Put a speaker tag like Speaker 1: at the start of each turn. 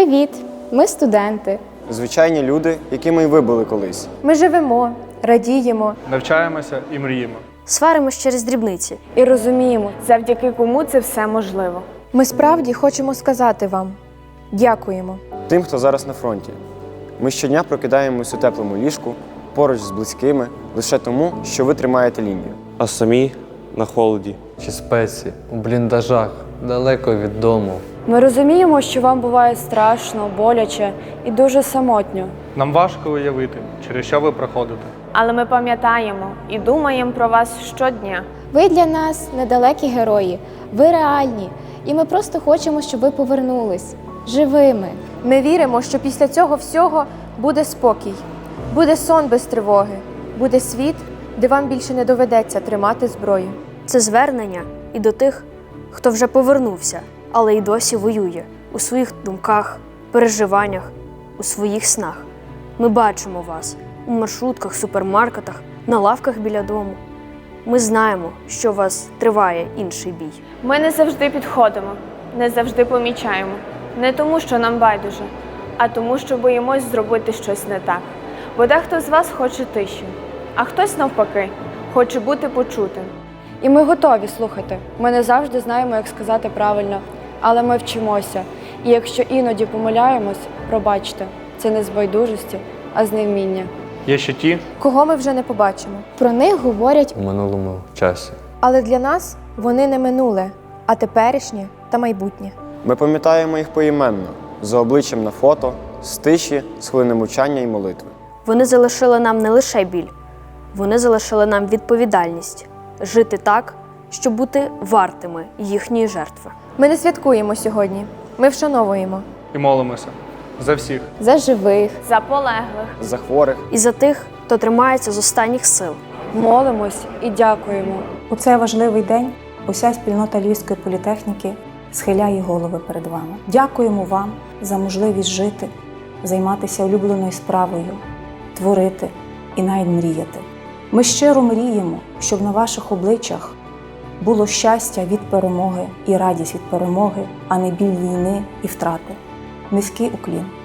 Speaker 1: Привіт! Ми студенти.
Speaker 2: Звичайні люди, якими й ви були колись.
Speaker 3: Ми живемо, радіємо
Speaker 4: Навчаємося і мріємо.
Speaker 5: Сваримось через дрібниці.
Speaker 3: і розуміємо, завдяки кому це все можливо. Ми справді хочемо сказати вам дякуємо.
Speaker 2: Тим, хто зараз на фронті. Ми щодня прокидаємось у теплому ліжку, поруч з близькими, лише тому, що ви тримаєте лінію.
Speaker 6: А самі на холоді.
Speaker 7: Чи спеці, у бліндажах, далеко від дому.
Speaker 3: Ми розуміємо, що вам буває страшно, боляче і дуже самотньо.
Speaker 4: Нам важко уявити, через що ви проходите.
Speaker 8: Але ми пам'ятаємо і думаємо про вас щодня.
Speaker 1: Ви для нас недалекі герої, ви реальні, і ми просто хочемо, щоб ви повернулись живими.
Speaker 3: Ми віримо, що після цього всього буде спокій, буде сон без тривоги, буде світ, де вам більше не доведеться тримати зброю.
Speaker 5: Це звернення і до тих, хто вже повернувся, але й досі воює у своїх думках, переживаннях, у своїх снах. Ми бачимо вас у маршрутках, супермаркетах, на лавках біля дому. Ми знаємо, що у вас триває інший бій.
Speaker 8: Ми не завжди підходимо, не завжди помічаємо. Не тому, що нам байдуже, а тому, що боїмось зробити щось не так. Бо дехто з вас хоче тиші, а хтось навпаки хоче бути почутим.
Speaker 3: І ми готові слухати. Ми не завжди знаємо, як сказати правильно, але ми вчимося. І якщо іноді помиляємось, пробачте, це не з байдужості, а з невміння.
Speaker 4: Є ще ті,
Speaker 3: Кого ми вже не побачимо.
Speaker 1: Про них говорять,
Speaker 7: У минулому часі.
Speaker 3: Але для нас вони не минуле, а теперішнє та майбутнє.
Speaker 2: Ми пам'ятаємо їх поіменно, за обличчям на фото, з тиші, з хвилини мовчання і молитви.
Speaker 5: Вони залишили нам не лише біль, вони залишили нам відповідальність жити так, щоб бути вартими їхньої жертви.
Speaker 3: Ми не святкуємо сьогодні, ми вшановуємо.
Speaker 4: і молимося за всіх.
Speaker 1: за живих.
Speaker 8: За полеглих.
Speaker 2: За хворих.
Speaker 5: І за тих, хто тримається з останніх сил.
Speaker 3: Молимось і дякуємо.
Speaker 9: У цей важливий день уся спільнота Львівської політехніки схиляє голови перед вами. Дякуємо вам за можливість жити, займатися улюбленою справою, творити і навіть мріяти. Ми щиро мріємо, щоб на ваших обличчях було щастя від перемоги і радість від перемоги, а не біль війни і втрати. Низький уклін.